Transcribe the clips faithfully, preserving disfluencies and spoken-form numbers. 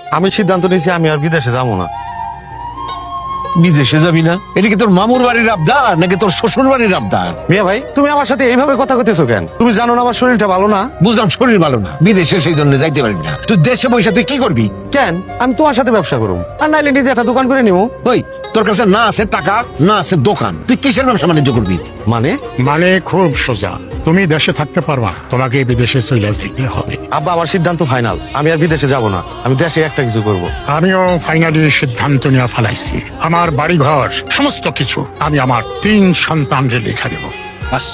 আমি সিদ্ধান্ত নিয়েছি আমি আর বিদেশে যাবো না। বিদেশে যাবি না? এটা কি তোর মামুর বাড়ির আবদার নাকি তোর শ্বশুর বাড়ির আবদার? মিয়া ভাই, তুমি আমার সাথে এইভাবে কথা কইতেছো কেন? তুমি জানো না আমার শরীরটা ভালো না। বুঝলাম শরীর ভালো না, বিদেশে সেই জন্য যাইতে পারবি না। তুই দেশে পয়সা তুই কি করবি? কেন? আমি তোমার সাথে ব্যবসা করুম, আর নাইলে নিজে একটা দোকান করে নিবো। ওই তোর কাছে না আছে টাকা, না আছে দোকান, তুই কিসের ব্যবসা বাণিজ্য করবি? মানে মানে খুব সোজা, তুমি দেশে থাকতে পারবা, তোমাকে বিদেশে চলে যেতে হবে। আব্বা, আমার সিদ্ধান্ত ফাইনাল, আমি আর বিদেশে যাব না, আমি দেশে একটা কিছু করব। আমিও ফাইনালি সিদ্ধান্ত নিয়ে ফেলাইছি। আমার বাড়ি ঘর সমস্ত কিছু আমি আমার তিন সন্তানকে লিখে দেব। বাস।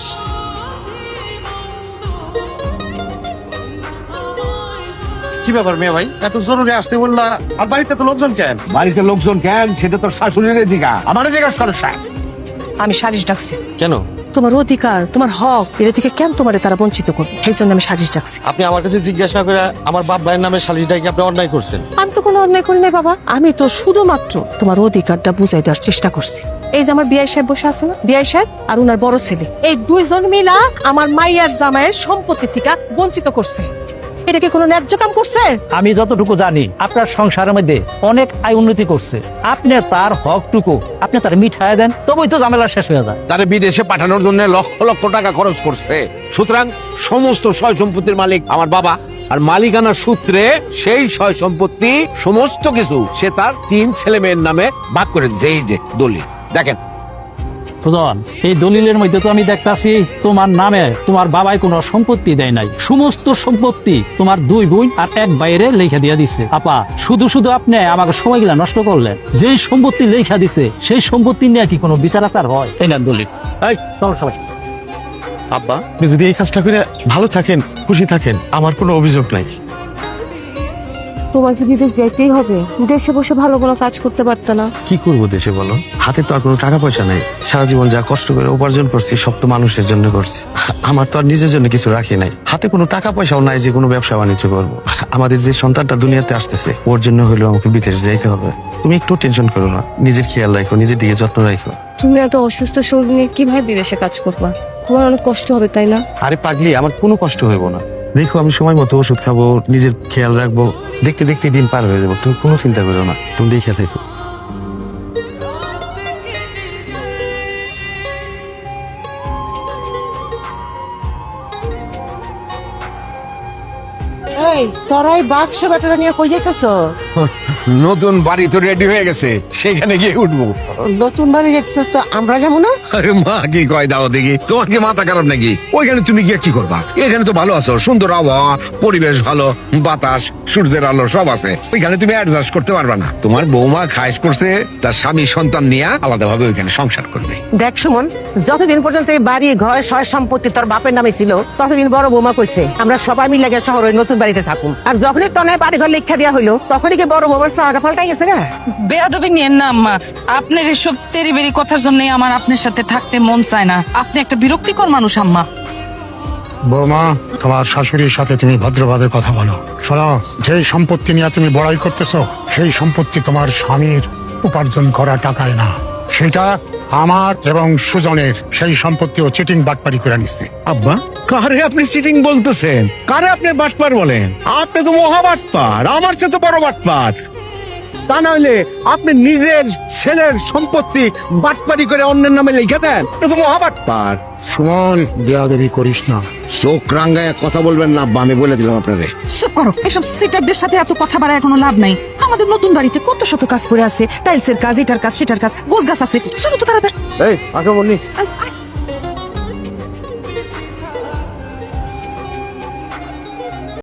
কি ব্যাপার মিয়া ভাই, এত জরুরি আসতে বললা? আর বাড়িতে তো লোকজন কেন? বাড়িতে লোকজন কেন সেটা তোর শাশুড়ির দিঘা, আমার জিজ্ঞাসা করো। আমি সারিস ডাকছি। কেন? তোমার অধিকার, তোমার হক, এটা থেকে কেন তোমারে তারা বঞ্চিত করবে, সেই জন্য আমি সারিস ডাকছি। আপনি আমার কাছে জিজ্ঞাসা করে আমার বাপ ভাইয়ের নামে সালিশটা কি আপনি অন্যায় করছেন? আমি তো কোনো অন্যায় করি নাই বাবা, আমি তো শুধুমাত্র তোমার অধিকারটা বুঝাই দেওয়ার চেষ্টা করছি। এই যে আমার বিআই সাহেব বসে আছে না, বিআই সাহেব আর উনার বড় ছেলে, এই দুইজন মিলা আমার মাইয়ার জামাইয়ের সম্পত্তি থেকে বঞ্চিত করছে। এটা কি কোনো ন্যায্য কাম করছে? আমি যতটুকু জানি আপনার সংসারের মধ্যে অনেক আয় উন্নতি করছে, আপনি তার হকটুকু আপনি তার মিঠাই দেন, তবেই তো ঝামেলা শেষ হয়ে যায়। তারে বিদেশে পাঠানোর জন্য লক্ষ লক্ষ টাকা খরচ করছে, সুতরাং সমস্ত সয় সম্পত্তির মালিক আমার বাবা, আর মালিকানা সূত্রে সেই সয় সম্পত্তি সমস্ত কিছু সে তার তিন ছেলে মেয়ের নামে ভাগ করে দিয়েছে। এই যে দলিল দেখেন। সুজন, এই দলিলের মধ্যে তো আমি দেখতাছি তোমার নামে তোমার বাবাই কোনো সম্পত্তি দেয় নাই, সমস্ত সম্পত্তি তোমার দুই বোন আর এক বাইরে লেখা দিয়ে দিচ্ছে। আপা, শুধু শুধু আপনি আমাকে সময়গুলা নষ্ট করলেন। যেই সম্পত্তি লেখা দিছে সেই সম্পত্তি নিয়ে কি কোনো বিচার আচার হয়? এই না দলিল। এই চলো সবাই। আব্বা, আপনি যদি এই কাজটা করে ভালো থাকেন, খুশি থাকেন, আমার কোনো অভিযোগ নাই। তোমার কি বিদেশ যাইতেই হবে? দেশে বসে ভালো কোনো কাজ করতে পারতে না? কি করবো দেশে বলো? হাতে তো আর কোনো টাকা পয়সা নাই। সারা জীবন যা কষ্ট করে উপার্জন করছি সব তো মানুষের জন্য করছি, আমার তো আর নিজের জন্য কিছু রাখি নাই। হাতে কোনো টাকা পয়সাও নাই যে কোনো ব্যবসা বাণিজ্য করবো। আমাদের যে সন্তানটা দুনিয়াতে আসতেছে ওর জন্য হলেও আমাকে বিদেশ যাইতে হবে। তুমি একটু টেনশন করো না, নিজের খেয়াল রাখো, নিজের দিকে যত্ন রাখো। তুমি এত অসুস্থ শরীর নিয়ে কিভাবে বিদেশে কাজ করবা? তোমার অনেক কষ্ট হবে, তাই না? আরে পাগলি, আমার কোনো কষ্ট হইব না। দেখো, আমি সময় মতো ওষুধ খাবো, নিজের খেয়াল রাখবো, দেখতে দেখতে দিন পার হয়ে যাবো। তুমি কোনো চিন্তা করো না, তুমি দেখে থেকো। এই তোরা এই বাক্স ব্যাটারা নিয়ে কই যাইতেছ? নতুন বাড়ি তো রেডি হয়ে গেছে, সেখানে গিয়ে উঠবো। নতুন বাড়ি যাইতেছ তো আমরা যাবো না? আরে মা কি কয় দাও দেখি, তোমার কি মাথা খারাপ নাকি? ওইখানে তুমি গিয়ে কি করবা? এখানে তো ভালো আছো, সুন্দর আবহাওয়া, পরিবেশ ভালো, বাতাস, সূর্যের আলো সব আছে। ওইখানে তুমি অ্যাডজাস্ট করতে পারবা না। তোমার বৌমা খাইশ করছে তার স্বামী সন্তান নিয়ে আলাদা ভাবে ওইখানে সংসার করবে। দেখ সুমন, যতদিন পর্যন্ত এই বাড়ি ঘর সয় সম্পত্তি তোর বাপের নামে ছিল ততদিন বড় বৌমা কইছে আমরা সবাই মিলে গিয়ে শহরে নতুন বাড়িতে থাকুন। আর যখনই তনে বাড়ি ঘর লেখা দেওয়া হইলো তখনই কি বড় বৌমার চাওয়াটা পাল্টাই গেছে না? বেয়াদবি নিয়েন না আম্মা, আপনার এসব তেরিবেরি কথার জন্য আমার আপনার সাথে থাকতে মন চায় না। আপনি একটা বিরক্তিকর মানুষ আম্মা। বৌমা, তোমার শাশুড়ির সাথে তুমি ভদ্রভাবে কথা বলো। শোনো, যেই সম্পত্তি নিয়ে তুমি বড়াই করতেছো সেই সম্পত্তি তোমার স্বামীর উপার্জন করা টাকায় না, সেটা আমার এবং সুজনের। সেই সম্পত্তি ও চিটিং বাটপারি করে নিচ্ছে। আব্বা, কারে আপনি চিটিং বলতেছেন? কারে আপনি বাটপার বলেন? আপনি তো মহা বাটপার, আমার চেয়ে তো বড় বাটপার। তা না হইলে আপনি নিজের ছেলের সম্পত্তি বাটপারি করে অন্যের নামে লিখে দেন, এটা তো মহা বাটপার। সুমন, বেয়াদবি করিস না। চোখ রাঙ্গায় কথা বলবেন না আব্বা, আমি বলে দিলাম আপনারে। চুপ করো, এসব সিটারদের সাথে এত কথা বাড়ায় কোনো লাভ নাই। আমাদের নতুন বাড়িতে কত শত কাজ করে আছে, টাইলসের কাজ, এটার কাজ, সেটার কাজ, গোছ গাছ আছে, শুধু তো তারা এই আসো বলনি।